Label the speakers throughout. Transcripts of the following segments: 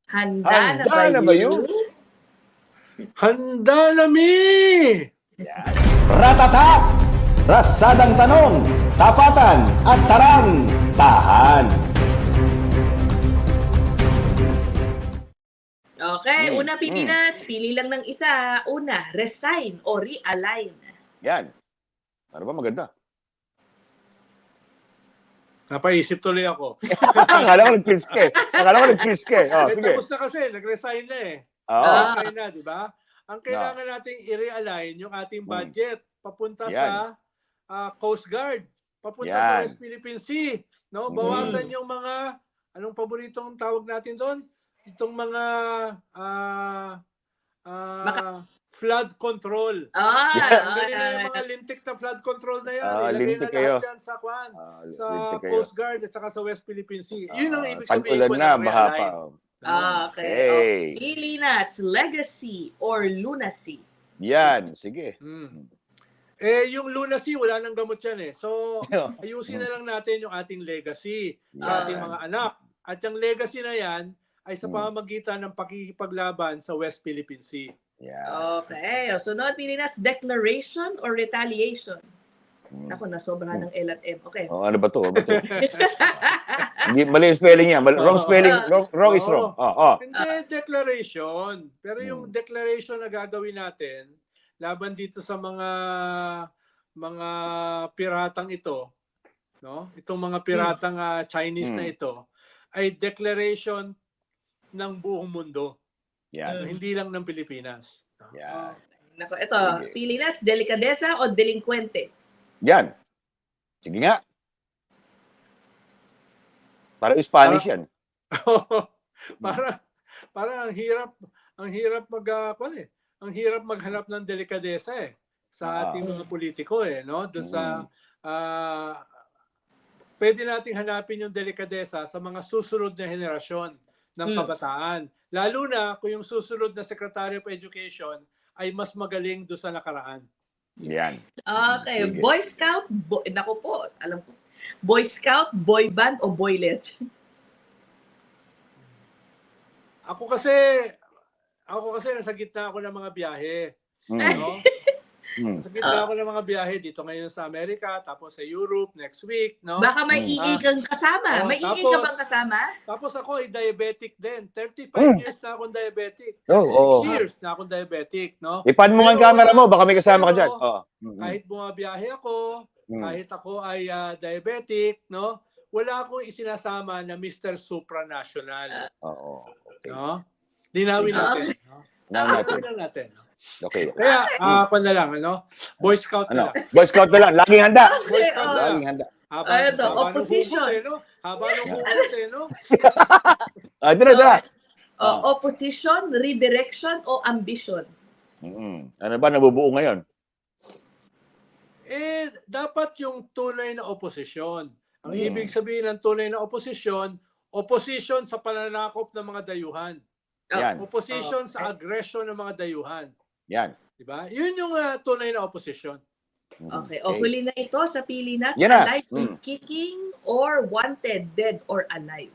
Speaker 1: Handa na
Speaker 2: Handa
Speaker 1: ba
Speaker 2: na ba
Speaker 1: yun?
Speaker 3: Handa na mi!
Speaker 2: Ratata! Ratsadang tanong, tapatan at tarang, tahan.
Speaker 1: Okay, una Pilipinas, pili lang ng isa. Una, resign o realign.
Speaker 2: Yan. Ano ba maganda?
Speaker 3: Napaisip tuloy ako.
Speaker 2: Akala ko nag-quiz ka eh. Oh, sige.
Speaker 3: Tapos na kasi, nag-resign na eh.
Speaker 2: Oo.
Speaker 3: Nag-resign na, di ba? Ang kailangan nating i-realign yung ating budget papunta sa Coast Guard, papunta sa West Philippine Sea. No? Bawasan yung mga, anong paboritong tawag natin doon? Itong mga flood control. Galing na yung mga lintik na flood control na yan. Ilagay na lahat yan sa Kwan, sa Coast Guard at saka sa West Philippine Sea. Yun ang ibig sabihin ko
Speaker 2: na
Speaker 3: ng
Speaker 2: baha pa.
Speaker 3: realign.
Speaker 1: Okay. Pilipinas, legacy or lunacy?
Speaker 2: Yan, sige.
Speaker 3: Eh, yung lunacy, wala nang gamot yan eh. So, ayusin na lang natin yung ating legacy sa ating mga anak. At yung legacy na yan ay sa pamamagitan ng pakikipaglaban sa West Philippine Sea.
Speaker 2: Yeah.
Speaker 1: Okay. O, sunod, Pilipinas, declaration or retaliation? Ako, nasobrahan ng L at M. Okay.
Speaker 2: Oh, ano ba to? Hindi, mali yung spelling niya. Wrong spelling. Wrong is wrong.
Speaker 3: Hindi, declaration. Pero yung declaration na gagawin natin, laban dito sa mga piratang ito, no? Itong mga piratang Chinese na ito, ay declaration ng buong mundo. Hindi lang ng Pilipinas.
Speaker 1: Nako, ito, Pilipinas, delikadesa o delinkwente?
Speaker 2: Yan. Sige nga. Para Spanish yan.
Speaker 3: Para ang hirap maghanap ng delikadesa eh sa ating mga politiko eh, no? Doon sa pwede nating hanapin yung delikadesa sa mga susunod na henerasyon ng kabataan. Lalo na kung yung susunod na Secretary of Education ay mas magaling doon sa nakaraan.
Speaker 2: Yan.
Speaker 1: Okay.
Speaker 2: Sige.
Speaker 1: Boy Scout, nako po, alam ko. Boy Scout, boy band o boylet?
Speaker 3: Ako kasi nasa gitna ako ng mga biyahe. No? Nasa gitna ako ng mga biyahe dito ngayon sa Amerika, tapos sa Europe next week, no?
Speaker 1: Baka may iig kang kasama. May iig ka bang kasama?
Speaker 3: Tapos ako ay diabetic din. 35 years na akong diabetic. 6 years na akong diabetic, no?
Speaker 2: Ipan mo nga ang camera mo, baka may kasama ka dyan.
Speaker 3: Kahit bumabiyahe ako, kahit ako ay diabetic, no? Wala akong isinasama na Mr. Supranational.
Speaker 2: Okay.
Speaker 3: No? Linawin natin.
Speaker 2: Linawin
Speaker 3: natin.
Speaker 2: Okay.
Speaker 3: Kaya, ako na lang, ano? Boy Scout na lang.
Speaker 2: Boy Scout na lang. Laging handa.
Speaker 3: Boy Scout na lang.
Speaker 2: Laging handa.
Speaker 1: Opposition.
Speaker 3: Haba ng hugot eh, no?
Speaker 2: Dira.
Speaker 1: Opposition, redirection o ambition?
Speaker 2: Ano ba nabubuo ngayon?
Speaker 3: Eh, dapat yung tunay na oposisyon. Ang ibig sabihin ng tunay na oposisyon, opposition sa pananakop ng mga dayuhan.
Speaker 2: Yan.
Speaker 3: Opposition sa aggression ng mga dayuhan.
Speaker 2: Yan.
Speaker 3: Diba? Yun yung tunay na opposition.
Speaker 1: Okay. O huli na ito sa Pilipinas,
Speaker 2: Yan na.
Speaker 1: alive and kicking or wanted, dead or alive?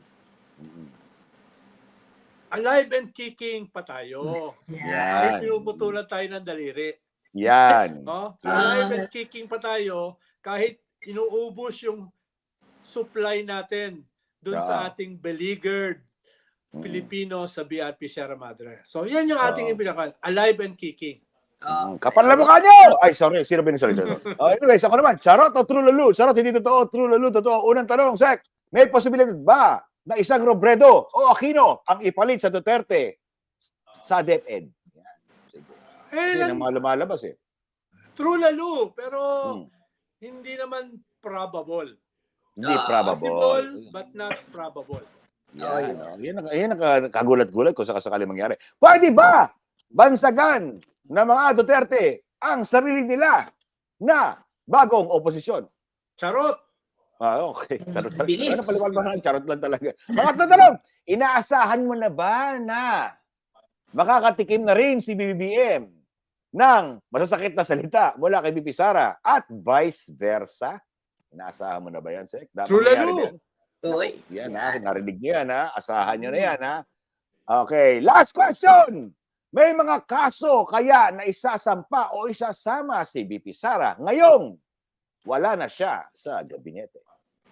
Speaker 3: Alive and kicking pa tayo.
Speaker 2: Yan.
Speaker 3: Ay, pinuputulan tayo ng daliri.
Speaker 2: Yan.
Speaker 3: No? Alive and kicking pa tayo kahit inuubos yung supply natin dun sa ating beleaguered Pilipino sa BRP Sierra Madre. So, yan yung ating ipinakan. Alive and kicking.
Speaker 2: Kapal na mukha nyo! Ay, sorry. Sino binasali? Anyways, ako naman. Charot o true lalo? Charot, hindi totoo. True lalo, totoo. Unang tanong, Sek. May posibilidad ba na isang Robredo o Aquino ang ipalit sa Duterte sa DepEd? Yan. Sige. Kasi nang mga lumalabas eh.
Speaker 3: True lalo, pero hindi naman probable.
Speaker 2: Hindi probable.
Speaker 3: Possible, but not probable.
Speaker 2: Yan ang kagulat-gulat kung sakasakali mangyari. Pwede ba bansagan ng mga Duterte ang sarili nila na bagong oposisyon?
Speaker 3: Charot!
Speaker 2: Okay. Charot lang.
Speaker 1: Bilis.
Speaker 2: Ano paliwanag? Charot lang talaga. Pangatlong tanong, inaasahan mo na ba na makakatikim na rin si BBM ng masasakit na salita mula kay BP Sara at vice versa? Inaasahan mo na ba yan, Sek?
Speaker 3: True lalo.
Speaker 2: Yan, narinig niyo yan, Asahan nyo na yan, Okay, last question. May mga kaso kaya na isasampa o isasama si VP Sara ngayong wala na siya sa gabinete?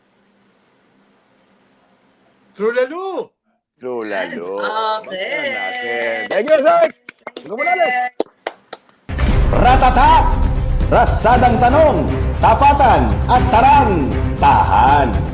Speaker 3: True lalo!
Speaker 2: True lalo.
Speaker 1: Okay.
Speaker 2: Thank you, sir. Gumulalis.
Speaker 4: Ratata! Ratsadang tanong, tapatan at tarang, tahan.